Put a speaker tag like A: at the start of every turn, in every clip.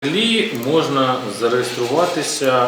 A: Взагалі можна зареєструватися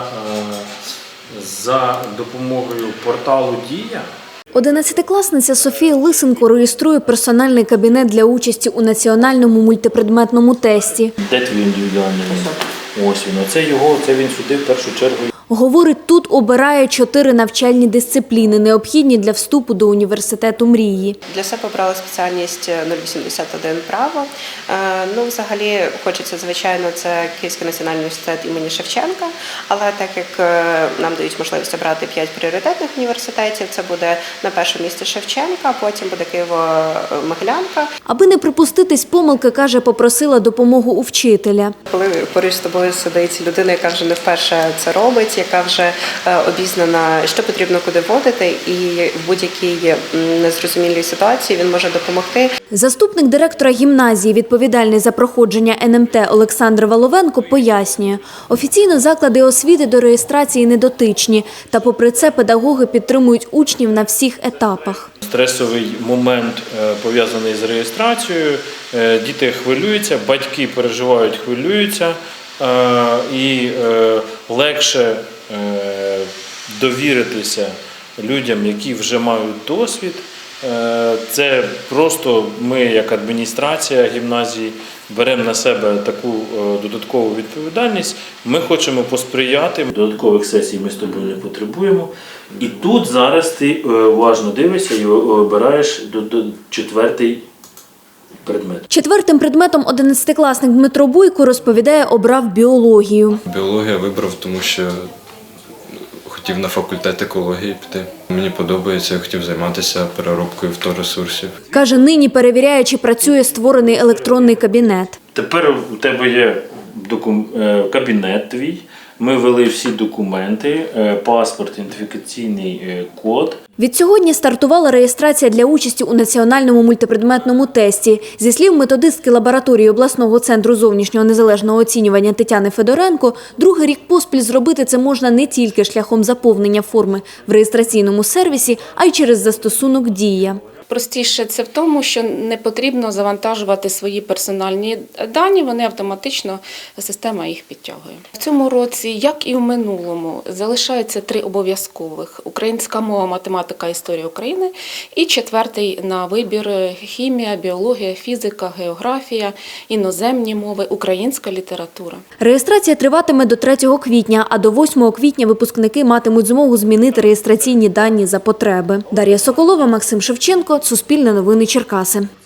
A: за допомогою порталу «Дія».
B: 11-класниця Софія Лисенко реєструє персональний кабінет для участі у національному мультипредметному тесті.
A: Де твій індивідуальний? Ось він. Це він сюди в першу чергу.
B: Говорить, тут обирає 4 навчальні дисципліни, необхідні для вступу до університету мрії.
C: Для себе обрала спеціальність 081 право. Взагалі, хочеться, звичайно, це Київський національний університет імені Шевченка, але так як нам дають можливість обрати 5 пріоритетних університетів, це буде на першому місці Шевченка, потім буде Києво-Могилянка.
B: Аби не припуститись помилки, каже, попросила допомогу у вчителя.
C: Коли поруч з тобою сидить людина, яка вже не вперше це робить, яка вже обізнана, що потрібно куди вводити, і в будь-якій незрозумілій ситуації він може допомогти.
B: Заступник директора гімназії, відповідальний за проходження НМТ Олександр Воловенко, пояснює, офіційно заклади освіти до реєстрації не дотичні, та попри це педагоги підтримують учнів на всіх етапах.
A: Стресовий момент пов'язаний з реєстрацією, діти хвилюються, батьки переживають, хвилюються, і легше довіритися людям, які вже мають досвід. Це просто ми, як адміністрація гімназії, беремо на себе таку додаткову відповідальність. Ми хочемо посприяти. Додаткових сесій ми з тобою не потребуємо. І тут зараз ти уважно дивишся і обираєш 4-й предмет.
B: 4-тим предметом 11-класник Дмитро Буйко, розповідає, обрав біологію.
D: Біологію вибрав, тому що хотів на факультет екології піти. Мені подобається, я хотів займатися переробкою вторресурсів.
B: Каже, нині перевіряє, чи працює створений електронний кабінет.
A: Тепер у тебе є кабінет твій, ми ввели всі документи, паспорт, ідентифікаційний код.
B: Відсьогодні стартувала реєстрація для участі у національному мультипредметному тесті. Зі слів методистки лабораторії обласного центру зовнішнього незалежного оцінювання Тетяни Федоренко, другий рік поспіль зробити це можна не тільки шляхом заповнення форми в реєстраційному сервісі, а й через застосунок «Дія».
E: Простіше це в тому, що не потрібно завантажувати свої персональні дані, вони автоматично, система їх підтягує. В цьому році, як і в минулому, залишається 3 обов'язкових – українська мова, математика, історія України і 4-й на вибір – хімія, біологія, фізика, географія, іноземні мови, українська література.
B: Реєстрація триватиме до 3 квітня, а до 8 квітня випускники матимуть змогу змінити реєстраційні дані за потреби. Дар'я Соколова, Максим Шевченко, Суспільне новини Черкаси.